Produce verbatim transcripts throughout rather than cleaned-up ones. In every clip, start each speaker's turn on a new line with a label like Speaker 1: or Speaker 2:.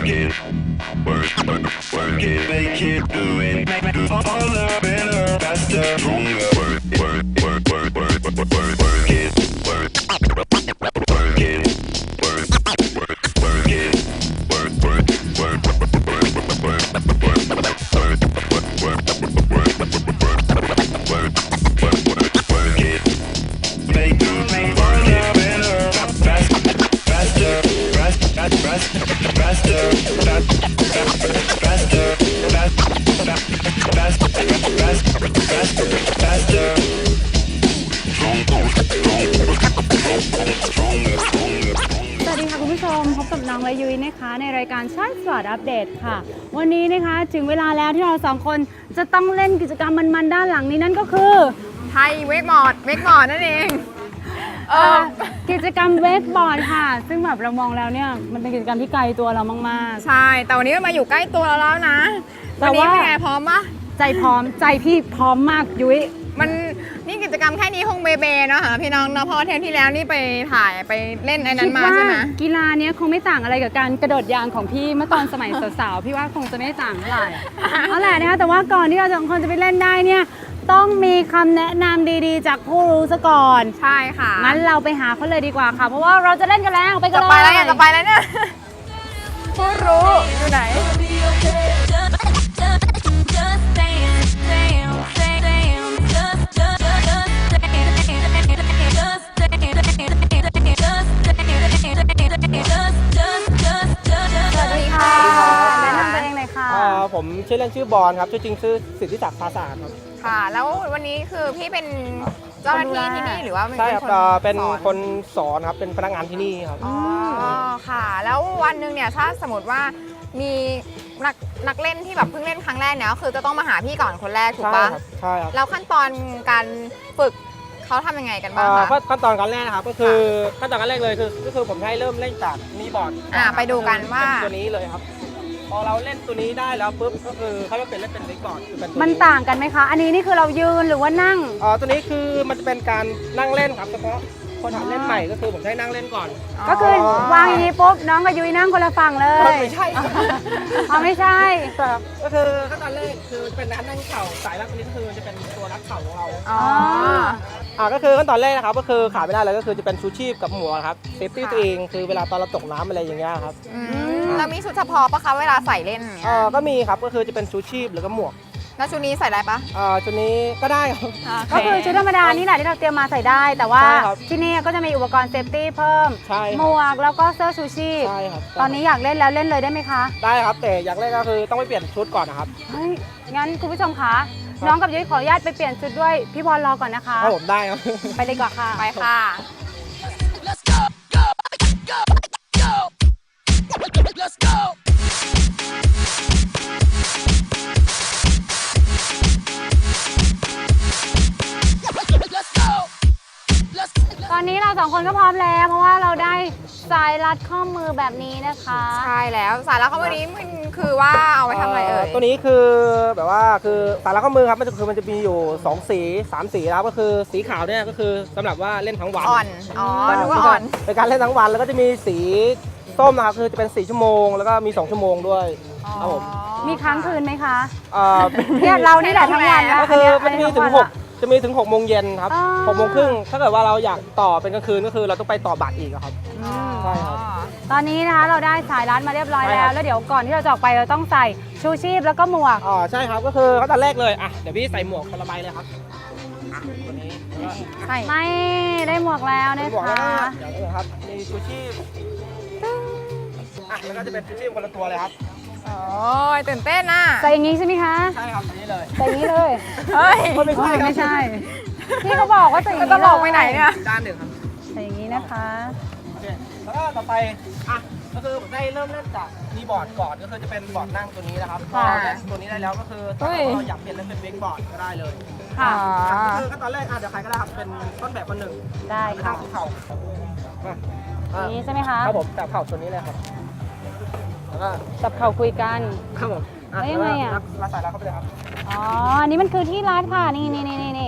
Speaker 1: work it, work, work, work it, make it, do it, make it harder, better, faster, stronger. Work, work, work, work, work, work, work, work it, work, work it, work, work, work it, work, work, work, work, work, work, work it, make it, make harder, better, faster, faster, faster, faster, faster, faster, faster, faster, stronger, stronger, stronger.
Speaker 2: สวัสดีค่ะคุณผู้ชมพบกับน้องและยุ้ยนะคะในรายการชาติสปอร์ตอัปเดตค่ะวันนี้นะคะถึงเวลาแล้วที่เราสองคนจะต้องเล่นกิจกรรมมันๆด้านหลังนี้นั่นก็คือ
Speaker 3: ไทยเวกบอร์ดเวกบอร์ดนั่นเองเออ
Speaker 2: กิจกรรมเวกบอร์ดค่ะซึ่งแบบเรามองแล้วเนี่ยมันเป็นกิจกรรมที่ไกลตัวเรามาก
Speaker 3: ๆใช่แต่วันนี้มันมาอยู่ใกล้ตัวเราแล้วนะวันนี้เป็นไงพร้อมปะ
Speaker 2: ใจพร้อมใจพี่พร้อมมากยุ้ย
Speaker 3: มันนี่กิจกรรมแค่นี้คงเบเบเนาะค่ะพี่น้องเนาะเพราะเทปที่แล้วนี่ไปถ่ายไปเล่นไอ้นั้นมาใช่ไหม
Speaker 2: กีฬาเนี้ยคงไม่ต่างอะไรกับการกระโดดยางของพี่เมื่อตอนสมัยสาวๆพี่ว่าคงจะไม่ต่างเท่าไหร่เอาแหละนะคะแต่ว่าก่อนที่เราสองคนจะไปเล่นได้เนี่ยต้องมีคำแนะนำดีๆจากผู้รู้ซะก่อน
Speaker 3: ใช่ค่ะ
Speaker 2: งั้นเราไปหาเขาเลยดีกว่าค่ะเพราะว่าเราจะเล่นกันแล้วไปกันเลย
Speaker 3: จะไปแล้วเนี่ยจะไปแล้วเนี่ยผู้รู้อยู่ไหน
Speaker 4: ผมชื่อเล่นชื่อบอลครับชื่อจริงชื่อสิทธิศักดิ์ภาษาครับ
Speaker 3: ค่ะแล้ววันนี้คือพี่เป็นเจ้าหน้าที่ที่นี่หรือว่า
Speaker 4: ใช่ครับเป็นคนสอนครับเป็นพนักงานที่นี่ครับ
Speaker 3: อ๋อค่ะแล้ววันหนึ่งเนี่ยถ้าสมมติว่ามีนักนักเล่นที่แบบเพิ่งเล่นครั้งแรกเนี่ยก็คือจะต้องมาหาพี่ก่อนคนแรกถูกปะ
Speaker 4: ใช่ครับ
Speaker 3: แล้วขั้นตอนการฝึกเขาทำยังไงกันบ้างคะ
Speaker 4: ขั้นตอนการเล่นนะครับก็คือขั้นตอนการเล่นเลยคือก็คือผมให้เริ่มเล่นจากนีบอร์ด
Speaker 3: อ่าไปดูกันว่า
Speaker 4: ตัวนี้เลยครับพอเราเล่นตัวนี้ได้แล้วปุ๊บก็คือเขาจะเปลี่ยนเล่นเป็นเวกบอร์ด
Speaker 2: มันต่างกันไหมคะอันนี้นี่คือเรายืนหรือว่านั่ง
Speaker 4: อ๋อตัวนี้คือมันจะเป็นการนั่งเล่นครับเฉพาะคนหัดเล่นใหม่ก็คือผมให้นั่งเล่นก่อน
Speaker 2: ก็คือวางอย่างนี้ปุ๊บน้องกับยุ้ยนั่งคนละฝั่งเลย
Speaker 4: ไม่ใช่
Speaker 2: อ๋อไม่ใช่
Speaker 4: ก็คือขั้นตอนแรกคือเป็นการนั่งเข่าสายรัดตัวนี้คือจะเป็นตัวรัดเข่าของเรา
Speaker 3: อ๋อ
Speaker 4: อ่าก็คือขั้นตอนแรกนะครับก็คือขาดไม่ได้เลยก็คือจะเป็นชูชีพกับหมวกครับเซฟตี้ตัวเองคือเวลาตอนเราตกน้ำอะไรอย่างเงี้ยครับ
Speaker 3: แล้วมีชุดเฉพาะปะคะเวลาใส่เล่น
Speaker 4: เออก็มีครับก็คือจะเป็นชูชีพหรือก็หมวก
Speaker 3: แล้วชุดนี้ใส่ได้ปะ
Speaker 4: อ่าชุดนี้ก็ได้ครับ
Speaker 2: ก็คือชุดธรรมดานี่แหละที่เราเตรียมมาใส่ได้แต่ว่าที่นี่ก็จะมีอุปกรณ์เซฟตี้เพิ่มหมวกแล้วก็เสื้อชูชีพ
Speaker 4: ใช่ครับ
Speaker 2: ตอนนี้อยากเล่นแล้วเล่นเลยได้ไหมคะ
Speaker 4: ได้ครับแต่อยากเล่นก็คือต้องไปเปลี่ยนชุดก่อนนะครับ
Speaker 2: เฮ้ยงั้นคุณผู้ชมคะน้องกับยุ้ยขออนุญาตไปเปลี่ยนชุดด้วยพี่บอลรอก่อนนะคะ
Speaker 4: ครับผมได้ครับ
Speaker 2: ไปเลยก่อนค่ะ
Speaker 3: ไปค่ะ
Speaker 2: ตอนนี้เราสองคนก็พร้อมแล้วเพราะว่าเราได้สายรัดข้อมือแบบนี้นะคะ
Speaker 3: ใช่แล้วสายรัดข้อมือนี้มันคือว่าเอาไว้ทำอะไรเอ่ย
Speaker 4: ตัวนี้คือแบบว่าคือสายรัดข้อมือครับมันจะคือมันจะมีอยู่สองสีสามสีแล้วก็คือสีขาวเนี่ยก็คือสำหรับว่าเล่นทั้งวัน
Speaker 3: อ่อนอ๋อนึกว่าอ่อน
Speaker 4: เป็นการเล่นทั้งวันแล้วก็จะมีสีส้มนะครับคือจะเป็นสี่ชั่วโมงแล้วก็มีสองชั่วโมงด้วยครับผม
Speaker 2: มีค้างคืนไหมคะ
Speaker 4: เอ่อ
Speaker 2: เนี่ยเรานี่แหละทั้งวัน
Speaker 4: ก็คือมันมีถึงหกจะมีถึงหกโมงเย็นครับหกโมงครึ่งถ้าเกิดว่าเราอยากต่อเป็นกลางคืนก็คือเราต้องไปต่อบัตรอีกครับใช่ครับ
Speaker 2: ตอนนี้นะคะเราได้สายรัดมาเรียบร้อยแล้วแล้วเดี๋ยวก่อนที่เราจะออกไปเราต้องใส่ชูชีพแล้วก็หมวก
Speaker 4: อ๋อใช่ครับก็คือขั้นตอนแรกเลยอ่ะเดี๋ยวพี่ใส่หมวกคนละใบเลยครับตัวนี้
Speaker 2: ไม่ได้หมวกแล้วนะคะ
Speaker 4: เดี๋ยวครับมีชูชีพอ่ะแล้วก็จะเป็นชูชีพคนละตัวเลยครับ
Speaker 3: โอ้ยตื่นเต้นน่ะ
Speaker 2: ใส่อย่างนี้ใช่ไหมคะ
Speaker 4: ใช่ครับใส่นี้เลย
Speaker 2: ใส่อย่างนี้เลย
Speaker 3: เฮ้ย
Speaker 2: ไม่ใช่ไม่ใช่พี่เขาบอกว่าใส่อย่างนี้
Speaker 3: จะบอกไปไหนเนี่ย
Speaker 4: ด้านหนึ่งครับ
Speaker 2: ใส่อย่างนี้นะคะ
Speaker 4: โอเคแล้วก็ต่อไปอ่ะก็คือผมได้เริ่มเล่นจากมีบอร์ดก่อนก็คือจะเป็นบอร์ดนั่งตัวนี้นะครับพอเล่นตัวนี้ได้แล้วก็คือถ้าเราอยากเปลี่ยนเล่นเป็นเวกบอร์ดก็ได้เลย
Speaker 2: ค่ะ
Speaker 4: ก็คือขั้นตอนแรกอ่ะเดี๋ยวใครก็ได้ครับเป็นต้นแบบคนหนึ่ง
Speaker 2: ได้ค่ะ
Speaker 4: เข่า
Speaker 2: นี้ใช่ไหมคะ
Speaker 4: ครับผมจับเข่าตัวนี้เลยครับแล้วก็
Speaker 2: จับเข่าคุยกัน
Speaker 4: ครับผม
Speaker 2: แล้วยังไงอ่ะ
Speaker 4: รัดสายรัดเข้าไปเลยครับ
Speaker 2: อ๋ออันนี้มันคือที่รัดค่ะนี่นี่นี่นี่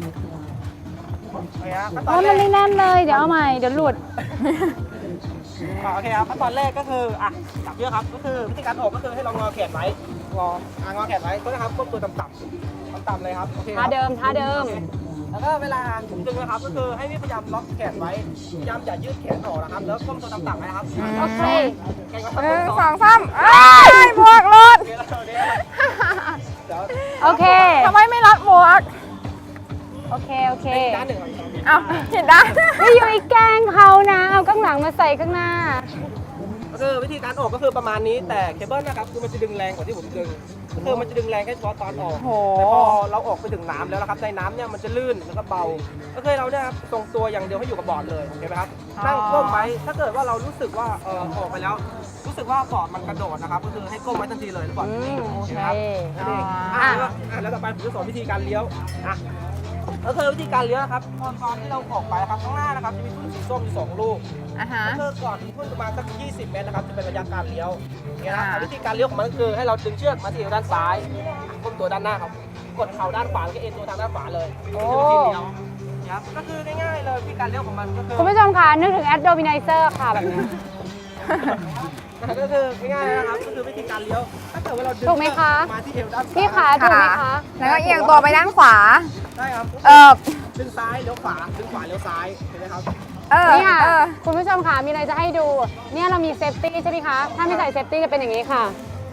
Speaker 4: โอ้
Speaker 2: มันไม่แน่นเลยเดี๋ยวเอาใหม่เดี๋ยวหลุด
Speaker 4: อ่าโอเคครับขั้นตอนแรกก็คืออ่ะจับเยอะครับก็คือวิธีการออกก็คือให้เรางอแขนไว้งออ่างอแขนไว้ก็นะครับก้มตัวต่ำๆต่ำๆเลยครับโอเคค
Speaker 2: ท่า
Speaker 4: รับ
Speaker 2: เดิมท่าเดิม
Speaker 4: แล้วก็เวลาถุงดึงนะครับก็คือให้พี่พยายามล็อกแขนไว้พยายามอย่ายืดแขนออกนะครับแล้วก้มตัวต่ำๆไว้นะครับ
Speaker 2: โอเค
Speaker 4: เก่งมาก
Speaker 3: หนึ่ง
Speaker 4: ส
Speaker 3: ส
Speaker 4: อ
Speaker 3: อง งสามเอ้ยหมวกรถ
Speaker 4: โอเคแล้วเดี๋ยว
Speaker 2: โอเค
Speaker 3: ทำไมไม่รัดหมวก
Speaker 2: โอเค โอเค
Speaker 4: ด้านหนึ่งครับ
Speaker 3: เอ้าผิดด้าน
Speaker 2: ไม่อยู่อีกแกล้งเขานะ เอาข้างหลังมาใส่ข้างหน้า
Speaker 4: ก็คือวิธีการออกก็คือประมาณนี้แต่เคเบิลนะครับคือมันจะดึงแรงกว่าที่ผมดึงก็คือมันจะดึงแรงแค่เฉพาะตอนออก
Speaker 3: โห
Speaker 4: แต่พอเราออกไปถึงน้ำแล้วนะครับในน้ำเนี่ยมันจะลื่นแล้วก็เบาก็คือเราเนี่ยครับทรงตัวอย่างเดียวให้อยู่กับบอร์ดเลยโอเคไหมครับนั่งก้มไว้ถ้าเกิดว่าเรารู้สึกว่าเออออกไปแล้ว รู้สึกว่าบอร์ดมันกระโดดนะครับก็คือให้ก้มไว้ทันทีเลยแล้วบอร์ดจะนิ่ง
Speaker 2: อืม
Speaker 4: โอเคไหมครับ
Speaker 2: โอเค
Speaker 4: นั่นเองอ่ะแล้วอ่ะแล้วต่อไปผมจะสอนวิธีการเลี้ยวอ่ะก็คือวิธีการเลี้ยวนะครับตอนตอนที่เราออกไปครับข้างหน้านะครับจะมีทุ่นสีส้มอยู่สองลูก
Speaker 3: อ่ะฮะ
Speaker 4: ก็คือก่อนทุ่นประมาณสักยี่สิบเมตรนะครับจะเป็นระยะการเลี้ยวเนี่ยนะ
Speaker 3: อ่า
Speaker 4: วิธีการเลี้ยวของมันก็คือให้เราดึงเชือกมาที่ด้านซ้ายก้มตัวด้านหน้าครับกดเข่าด้านขวาแล้วก็เอ็นตัวทางด้านขวาเลย
Speaker 2: โอ้
Speaker 4: นี่คือวิธีเลี้ยวนะครับก็คือง่ายๆเลยวิธีการเลี้ยวของมันก็คือ
Speaker 2: คุณผู้ชมคะนึกถึงแอดโดมิไนเซอร์ค่ะแบบนี้
Speaker 4: ก็คือง่ายๆนะครับก็คือวิธีการเลี้ยวถ้าเกิดว่าเราดึง
Speaker 2: ถูกไหมคะ
Speaker 4: มาที่เอวด้านซ้าย
Speaker 2: พี่ขาถูกไหมคะ
Speaker 3: แล้วก็เอียงตัวไปด้านขวา
Speaker 4: ได้ครับ
Speaker 3: เออ
Speaker 4: ดึงซ้ายเลี้ยวขวาดึงขวาเลี้ยวซ้ายเห็นไหมครับ
Speaker 3: เออ
Speaker 2: นี่ค่ะ
Speaker 3: เออ
Speaker 2: คุณผู้ชมค่ะ มีอะไรจะให้ดู เนี่ยเรามีเซฟตี้ใช่ไหมคะ ถ้าไม่ใส่เซฟตี้จะเป็นอย่างนี้ค่ะ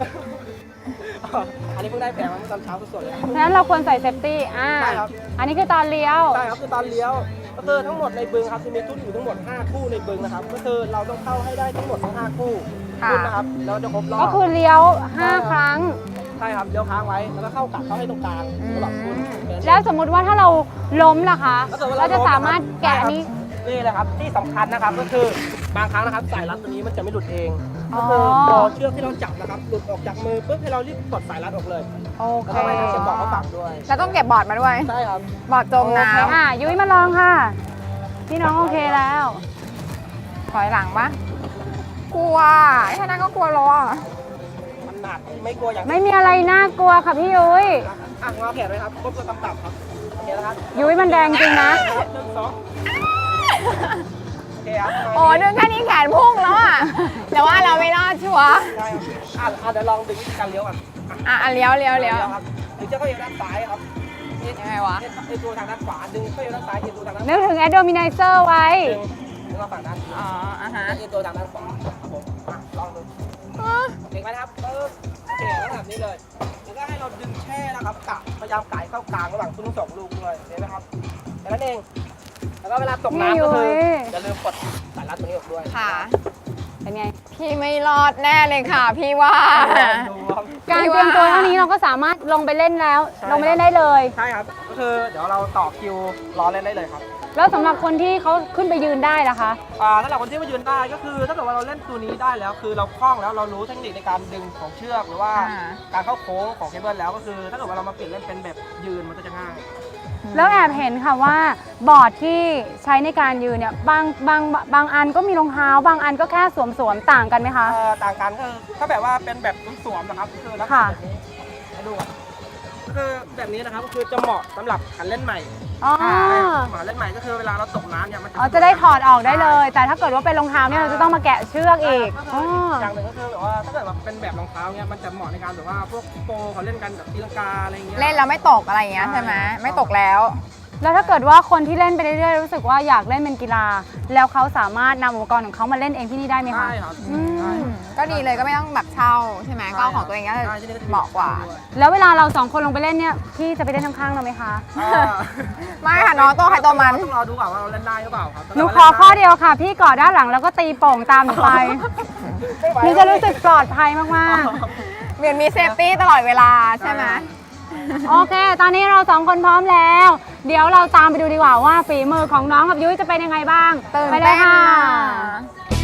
Speaker 4: อันนี้เพิ่งได้แผลมาเมื่อตอนเช้าสดๆเลยครับ
Speaker 2: ฉะนั้นเราควรใส่เซฟตี้ อ่า
Speaker 4: ใช่ครับ
Speaker 2: อันนี้คือตอนเลี้ยว
Speaker 4: ใช่ครับคือตอนเลี้ยวก็คือทั้งหมดในบึงครับจะมีทุ่นอยู่ทั้งหมดห้าคู่ในบึงนะครับก็คือเราต้องเข้าให้ได้ทั้งหมดทั้งห้าคู่
Speaker 3: ค่ะ
Speaker 4: ทุ่นนะครับแล้วจะครบรอบ
Speaker 2: ก็คือเลี้ยวห้าครั้ง
Speaker 4: ใช่ครับเลี้ยวค้างไว้แล้วก็เข้ากลับเข้าให้ตรงกลางสำหรับคุณ
Speaker 2: แล้วสมมุติว่าถ้าเราล้มล่ะคะ
Speaker 4: ถ้กิดว่
Speaker 2: เราจะสามารถแกะอันนี้
Speaker 4: นี่แหละครับที่สำคัญนะครับก็คือบางครั้งนะครับสายรัดตัวนี้มันจะไม่หลุดเอง
Speaker 2: อ๋อ
Speaker 4: ก็คือพอเชือกที่เราจับนะครับหลุดออกจากมือปุ๊บให้เรารีบกดสายรัดออกเลย
Speaker 2: โอเค
Speaker 4: แล้วก็ไม่ต้องเสียบบอกเขาฝังด้วย
Speaker 3: แล้วต้องเก็บบอร์ดมาด้วย
Speaker 4: ใช่ครับ
Speaker 3: บอร์ดจมน้
Speaker 2: โอเคอ่ะยุ้ยมาลองค่ะ พี่น้องโอเคแล้ว
Speaker 3: ำถอยหลังปะกลัวแค่นั้นก็กลัวล้อ
Speaker 4: มันหนักไม่กลัวอย่าง
Speaker 2: ไม่มีอะไรน่ากลัวค่ะพี่ยุ้ย
Speaker 4: อ่ะงอแขนไว้ครับก้มตัวต่ำๆครับโอเคนะครับ
Speaker 2: ยุ้ยมันแดงจริงนะ
Speaker 4: หนึ่งสองโอเคครับ
Speaker 3: โอ้ดึงแค่นี้แขนพุ่งแล้วอ่ะ แต่ว่าเราไม่รอดชัวร์
Speaker 4: ใช่ครับอ่ะอ่ะเดี๋ยวลองดึงวิธีการเลี้ยวก่อนอ่ะ
Speaker 3: อ่ะอ่ะเลี้ยวเลี้ยวเลี้ยว
Speaker 4: ครับดึงเชือกเข้าเอวด้านซ้ายครับ
Speaker 3: ยังไงวะ
Speaker 4: เอ็นตัวทางด้านขวาดึงเข้าเอวด้านซ้ายเอ็นตัวทางด้านข
Speaker 2: นึ
Speaker 4: วาก
Speaker 2: ถึงแอดโดมิไนเซอร์ไว้
Speaker 4: ดึงดึงมาฝั่งด้าน
Speaker 3: อ๋ออ่ะฮะ
Speaker 4: เอ็นตัวทางด้านขวาครับผมอ่ะลองดูเก่งไหมนะครับปึ๊บโอเคแล้วแบบนี้เลยแล้วก็ให้เราดึงแช่นะครับกะพยายามไก่เข้ากลางระหว่างทุ่นทั้งสองลูกเลยเห็นไหมครับแค่นั้นเองแล้วก็เวลาตกน้ำก็คืออย่าลืมกดสายรัดตัวนี้ออกด้วย
Speaker 3: ค่ะ
Speaker 2: เป็นไง
Speaker 3: พี่ไม่รอดแน่เลยค่ะ พี่ว่า
Speaker 4: ดูครับ
Speaker 2: การเตรียมตัวเท่านี้เราก็สามารถลงไปเล่นแล้ว
Speaker 4: ใช่
Speaker 2: ลงไปเล่นได้เลย
Speaker 4: ใช่ครับก็คือเดี๋ยวเราต่อคิวรอเล่นได้เลยครับ
Speaker 2: แล้วสำหรับคนที่เขาขึ้นไปยืนได้ล่ะคะ
Speaker 4: อ่าถ้าเราคนที่มายืนได้ก็คือถ้าเกิดว่าเราเล่นตัวนี้ได้แล้ว คือเราคล่องแล้วเรารู้เทคนิคในการดึงของเชือกหรือว่า
Speaker 3: อ่า
Speaker 4: การเข้าโค้งของเคเบิลแล้วก็คือ ถ้าเกิดว่าเรามาเปลี่ยนเล่นเป็นแบบยืนมันก็จะง่าย
Speaker 2: แล้วแอบเห็นค่ะว่าบอร์ดที่ใช้ในการยืนเนี่ยบางบางบางอันก็มีรองเท้า บางอันก็แค่สวมสวมๆต่างกันไหมคะ
Speaker 4: เอ่อต่างกันก็คือถ้าแบบว่าเป็นแบบสวมๆนะครับก็คือลักษณะ
Speaker 2: ค่ะ
Speaker 4: แบบนี้ให้ดูก่อนก็คือแบบนี้นะครับก็คือจะเหมาะสำหรับหันเล่นใหม่
Speaker 2: อ๋อ
Speaker 4: เหมาะเล่นใหม่ก็คือเวลาเราตกน้ำเนี่ยมัน
Speaker 2: อ๋อจะได้ถอดออกได้เลย แต่ถ้าเกิดว่าเป็นรองเท้าเนี่ยเราจะต้องมาแกะเชือกอีก
Speaker 4: ก็
Speaker 2: อ๋
Speaker 4: คือ
Speaker 2: อ
Speaker 4: อย่างหนึ่งก็คือแบบว่าถ้าเกิดว่าเป็นแบบรองเท้าเนี่ยมันจะเหมาะในการแบบว่าพวกโปรเขาเล่นกันแบบตีลังกาอะไรเงี้ย
Speaker 3: เล่นแล้วไม่ตกอะไรอย่างเงี้ยใช่ไหมไม่ตกแล้ว
Speaker 2: แล้วถ้าเกิดว่าคนที่เล่นไปเรื่อยๆรู้สึกว่าอยากเล่นเป็นกีฬา แล้วเขาสามารถนำอุปกรณ์ของเขามาเล่นเองที่นี่ได้ไหมคะ
Speaker 4: ใช่ครับ
Speaker 2: อืม
Speaker 4: ใช่
Speaker 3: ก็ดีเลยก็ไม่ต้องแบบเช่าใช่ไหมก็เอาของตัวเองก็
Speaker 4: ใช่ที่นี่ก็จ
Speaker 3: เหมาะกว่า
Speaker 2: แล้วเวลาเราสองคนลงไปเล่นเนี่ยพี่จะไปเล่นข้างๆเราไหมคะ
Speaker 4: อ่า
Speaker 3: ไม่ค่ะน้องตัวใครตัวมัน
Speaker 4: ต้องรอดูก่อนว่าเราเล่นได้หรือเปล่าครับ
Speaker 2: หนูขอข้อเดียวค่ะ พี่เกาะด้านหลังแล้วก็ตีโป่งตามหนูไปหนูจะรู้สึกปลอดภัยมาก
Speaker 3: เหมือนมีเซฟตี้ตลอดเวลาใช่ไหม
Speaker 2: ๆ โอเค ตอนนี้เราสองคนพร้อมแล้ว เดี๋ยวเราตามไปดูดีกว่าว่าฝีมือของน้องกับยุ้ยจะเป็นยังไงบ้าง
Speaker 3: ตื่น
Speaker 2: ไปเล
Speaker 3: เต้
Speaker 2: ย
Speaker 3: น
Speaker 2: ค่ะ
Speaker 3: อ่ะ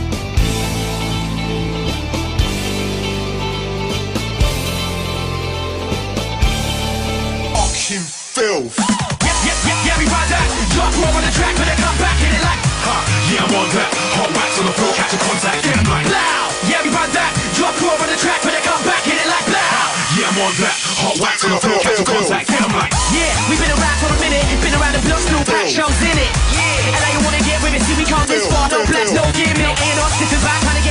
Speaker 1: Auction filth.
Speaker 5: Yeah, yeah, yeah, yeah, we ride that. Drop more on the track, but they come back, hit it like, huh? Yeah, I'm on that. Hot wax on the floor, catch a contact, get 'em like, loud. Yeah, we ride that. Drop more on the track, but they come back, hit it like, loud.
Speaker 1: Yeah, I'm on that. Hot wax on the floor, catch a contact, get 'em like.
Speaker 5: Yeah, we've been around for a minute, been around the block, still pack shows in it. Yeah, and now you wanna get with it, see we come this far, no flex, no gimmick. Ain't on sitting back, trying to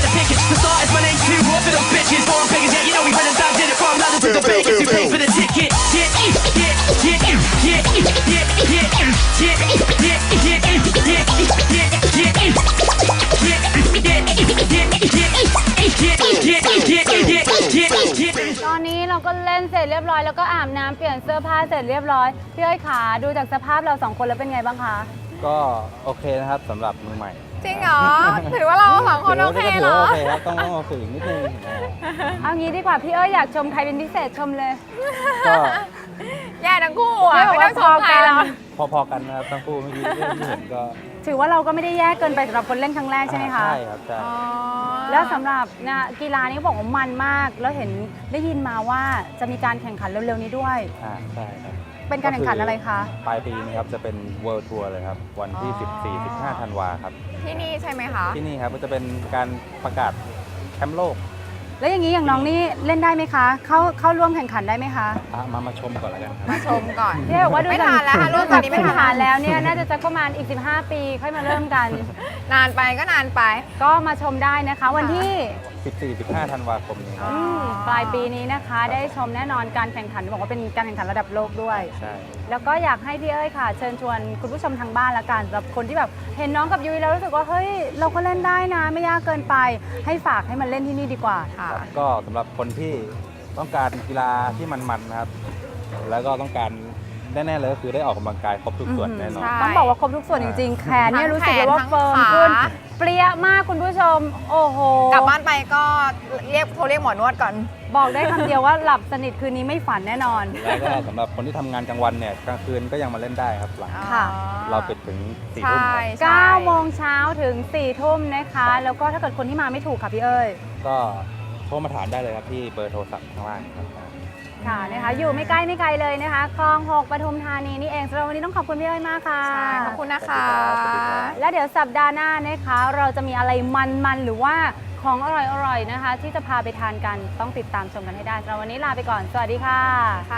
Speaker 2: ก็เล่นเสร็จเรียบร้อยแล้วก็อาบน้ำเปลี่ยนเสื้อผ้าเสร็จเรียบร้อยพี่เอ้ยขาดูจากสภาพเราสองคนแล้วเป็นไงบ้างคะ
Speaker 6: ก็โอเคนะครับสำหรับมือใหม่
Speaker 3: จริงเหรอ ถือว่าเราสองคนโอเค
Speaker 6: ถื
Speaker 3: เหร
Speaker 6: ว่า
Speaker 3: อ
Speaker 6: โอเคครับต้องต้องมาฝึกอีกนิดนึงอ่า
Speaker 2: เอางี้ดีกว่าพี่เอ้ยอยากชมใครเป็นพิเศษชมเลย
Speaker 6: ก็
Speaker 3: แย่ทั้งคู่อ่ะ
Speaker 2: ไม่บอก
Speaker 3: ไม่
Speaker 2: ว่า
Speaker 3: ต้องชมใครหรอก
Speaker 6: พอๆกันนะครับทั้งคู่เมื่อกี้ที่เห็นก็
Speaker 2: ถือว่าเราก็ไม่ได้แย่เกินไปสำหรับคนเล่นครั้งแรกใช่ไหมคะ
Speaker 6: ใช่ครับใช่
Speaker 3: อ๋อ
Speaker 2: แล้วสำหรับนะกีฬานี้บอกว่ามันมาก แล้วเห็นได้ยินมาว่าจะมีการแข่งขันเร็วๆนี้ด้วย
Speaker 6: อ่าใช่ครับ
Speaker 2: เป็นการแข่งขันอะไรคะ
Speaker 6: ปลายปีนี้ครับจะเป็น World Tour เลยครับ วันที่ สิบสี่ สิบห้า ธันวาครับ
Speaker 3: ที่นี่ใช่ไหมคะ
Speaker 6: ที่นี่ครับก็จะเป็นการประกาศแชมป์โลก
Speaker 2: แล้วอย่างนี้อย่างน้องนี่เล่นได้ไหมคะ เข้าเข้าร่วมแข่งขันได้ไหมคะ
Speaker 6: อ่ะมามาชมก่อนแล้วกันครับ
Speaker 3: มาชมก่อน
Speaker 2: พี่บอกว่าดู
Speaker 3: ไม่
Speaker 2: จาก
Speaker 3: ทันแล้วค่ะรุ่นตอนนี้ไม่ทัน
Speaker 2: พื้ฐานแล้วเนี่ยน่าจะจะประมาณอีก สิบห้า ปีค่อยมาเริ่มกัน
Speaker 3: นานไปก็นานไป
Speaker 2: ก็มาชมได้นะคะ วันที่
Speaker 6: สิบสี่ สิบห้า ธันวาคมนี้ครับ
Speaker 2: อืมปลายปีนี้นะคะ ได้ชมแน่นอนการแข่งขันบอกว่าเป็นการแข่งขันระดับโลกด้วย
Speaker 6: ใช่
Speaker 2: แล้วก็อยากให้พี่เอ้ยค่ะ เชิญชวนคุณผู้ชมทางบ้านละกันสำหรับคนที่แบบเห็นน้องกับยุ้ยแล้วรู้สึกว่าเฮ้ยเราก็เล่นได้นะ ไม่ยากเกินไป ให้ฝากให้มันเล่นที่นี่ดีกว่า
Speaker 3: ค่ะ
Speaker 6: ครับก็สำหรับคนที่ต้องการกีฬาที่มันๆนะครับ แล้วก็ต้องการแน่ๆเลยก็คือได้ออกกำลังกายครบทุกส่วนแน่นอน
Speaker 3: ใช่
Speaker 2: ต้องบอกว่าครบทุกส่วนจริงๆ แขนเนี่ย
Speaker 3: ทั้ง
Speaker 2: รู้สึกเลยว่า
Speaker 3: แขน
Speaker 2: เฟิร์ม
Speaker 3: ทั้งขา
Speaker 2: ขึ้น เปรี้ยมากคุณผู้ชม โอ้โห
Speaker 3: กลับบ้านไปก็เรียกโทรเรียกหมอนวดก่อน
Speaker 2: บอกได้คำเดียวว่าหลับสนิทคืนนี้ไม่ฝันแน่นอน
Speaker 6: แล้วก็สำหรับคนที่ทำงานกลางวันเนี่ยกลางคืนก็ยังมาเล่นได้ครับหลัง
Speaker 2: ค่ะ
Speaker 6: เราปิดถึงสี่
Speaker 3: ใช่
Speaker 6: ทุ่มครับ
Speaker 3: ใช่
Speaker 2: เก้าโมงเช้าถึงสี่ทุ่มนะคะ แล้วก็ถ้าเกิดคนที่มาไม่ถูกค่ะพี่เอ้ย
Speaker 6: ก็โทรมาถามได้เลยครับที่เบอร์โทรศัพท์ข้างล่างครับ
Speaker 2: ค่ะนะคะ อยู่ไม่ใกล้ไม่ไกลเลยนะคะคลองหกปทุมธานีนี่เองสำหรับวันนี้ต้องขอบคุณพี่เอ้ยมากค่ะ
Speaker 3: ใช่ ขอบคุณนะคะ
Speaker 6: สวัสดีครับ
Speaker 2: และเดี๋ยวสัปดาห์หน้านะคะ เราจะมีอะไรมันๆหรือว่าของอร่อยๆนะคะ ที่จะพาไปทานกันต้องติดตามชมกันให้ได้สำหรับวันนี้ลาไปก่อนสวัสดีค่ะ
Speaker 3: ค่ะ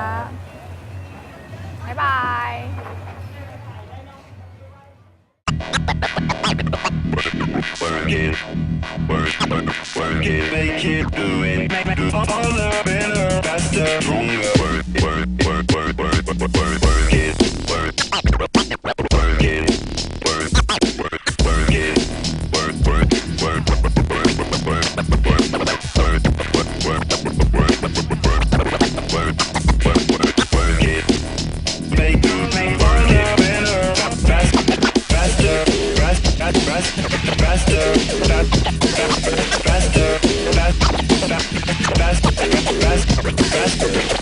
Speaker 3: บ๊ายบาย
Speaker 1: Work it, work, work, work it, make it, do it, do harder, better, faster, stronger. Work, work, work, work, work, work, work, work it, work, work it, work, work, work it, work, work, work, work, work it. Make do, make harder, better, faster, faster, faster, faster, faster, faster, faster, faster, faster, faster, faster.